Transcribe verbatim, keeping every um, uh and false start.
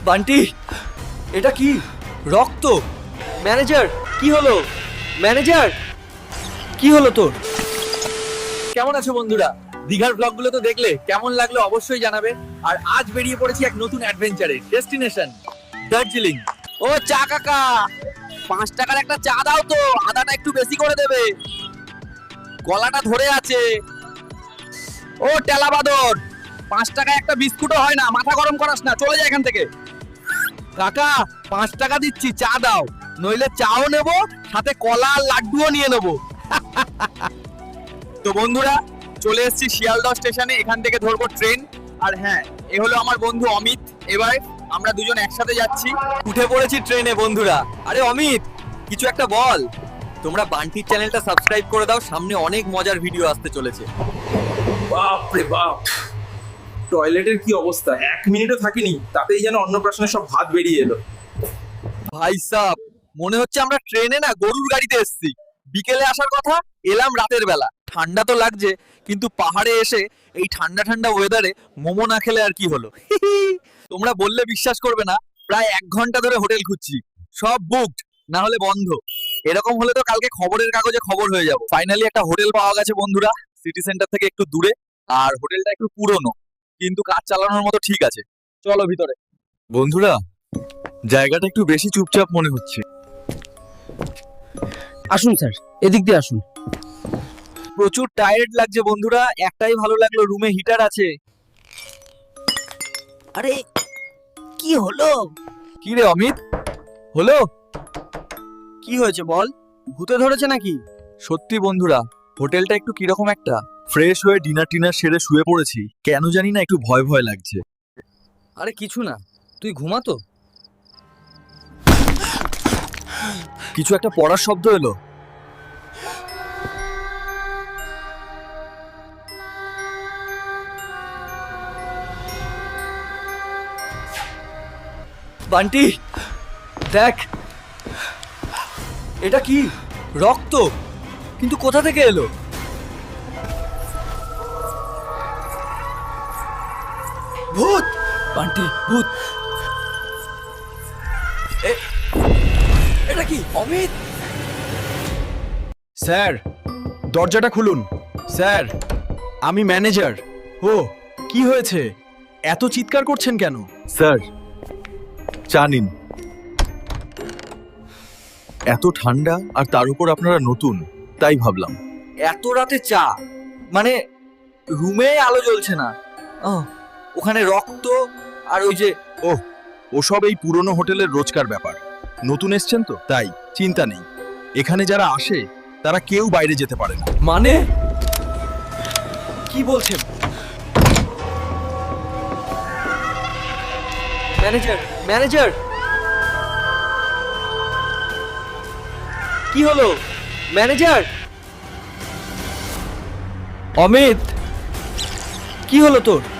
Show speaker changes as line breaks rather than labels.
বান্টি, এটা কি? রক্ত! ম্যানেজার, কি হলো? ম্যানেজার, কি হলো তোর?
কেমন আছো বন্ধুরা? দীঘার ব্লগগুলো তো দেখলে, কেমন লাগলো অবশ্যই জানাবে। আর আজ বেরিয়ে পড়েছি এক নতুন অ্যাডভেঞ্চারে, ডেস্টিনেশন দার্জিলিং।
ও চা কাকা, পাঁচ টাকার একটা চা দাও তো, আদাটা একটু বেশি করে দেবে, গলাটা ধরে আছে। ও টেলা বাদর, পাঁচ টাকায় একটা বিস্কুটও হয় না, মাথা গরম করাস না, চলে যায় এখান থেকে। কাকা, পাঁচ টাকা দিচ্ছি, চা দাও, নইলে চাও নেবো, সাথে কলা আর লাড্ডুও নিয়ে নেবো।
তো বন্ধুরা, চলে এসেছি শিয়ালদহ স্টেশনে, এখান থেকে ধরবো ট্রেন। আর হ্যাঁ, এ হলো আমার বন্ধু অমিত। এবার আমরা দুজন একসাথে যাচ্ছি।
উঠে পড়েছি ট্রেনে বন্ধুরা। আরে অমিত, কিছু একটা বল। তোমরা বান্টির চ্যানেলটা সাবস্ক্রাইব করে দাও, সামনে অনেক মজার ভিডিও আসতে চলেছে।
বাপ রে বাপ, টয়লেটের কি অবস্থা! এক মিনিটও থাকিনি, তাতেই যেন অন্নপ্রাশনের সব ভাত বেরিয়ে এলো।
ভাই সাহ, মনে হচ্ছে আমরা ট্রেনে না গরুর গাড়িতে এসেছি। বিকেলে আসার কথা, এলাম রাতের বেলা। ঠান্ডা তো লাগছে, কিন্তু পাহাড়ে এসে এই ঠান্ডা ঠান্ডা ওয়েদারে মোমো না খেলে আর কি হলো। তোমরা বললে বিশ্বাস করবে না, প্রায় এক ঘন্টা ধরে হোটেল খুঁজছি, সব বুকড, না হলে বন্ধ। এরকম হলে তো কালকে খবরের কাগজে খবর হয়ে যাবে। ফাইনালি একটা হোটেল পাওয়া গেছে বন্ধুরা, সিটি সেন্টার থেকে একটু দূরে। আর হোটেলটা একটু পুরনো, কিন্তু কাজ চালানোর মতো ঠিক আছে। চলো ভিতরে।
বন্ধুরা, জায়গাটা একটু বেশি চুপচাপ মনে হচ্ছে।
আসুন স্যার, এদিক দিয়ে আসুন।
প্রচুর টায়ার্ড লাগছে বন্ধুরা, একটাই ভালো লাগলো, রুমে হিটার আছে।
আরে কি হলো?
কি রে অমিত, হলো?
কি হয়েছে বল, ভূতে ধরেছে নাকি?
সত্যি বন্ধুরা, হোটেলটা একটু কিরকম একটা।
ফ্রেশ হয়ে ডিনার টিনার সেরে শুয়ে পড়েছি, কেন জানি না একটু ভয় ভয় লাগছে।
আরে কিছু না, তুই ঘুমাতো।
কিছু একটা পড়ার শব্দ এলো। বান্টি, দেখ, এটা কি? রক্ত! কিন্তু কোথা থেকে এলো? ভূত! বান্টি, ভূত! এ- এটা কি অমিত?
স্যার, দরজাটা খুলুন। স্যার, আমি ম্যানেজার। ও, কি হয়েছে? এত চিৎকার করছেন কেন?
স্যার, চা নিন। এত ঠান্ডা, আর তার উপর আপনারা নতুন, তাই ভাবলাম।
এত রাতে চা? মানে রুমে আলো জ্বলছে না। ও, ওখানে রক্ত আর ওই যে
ও, ওসব এই পুরনো হোটেলের রোজকার ব্যাপার। নতুন এসছেন তো, তাই চিন্তা নেই। এখানে যারা আসে তারা কেউ বাইরে যেতে পারে না।
মানে কি বলছেন? ম্যানেজার, ম্যানেজার, কি হলো? ম্যানেজার, অমিত, কি হলো তোর?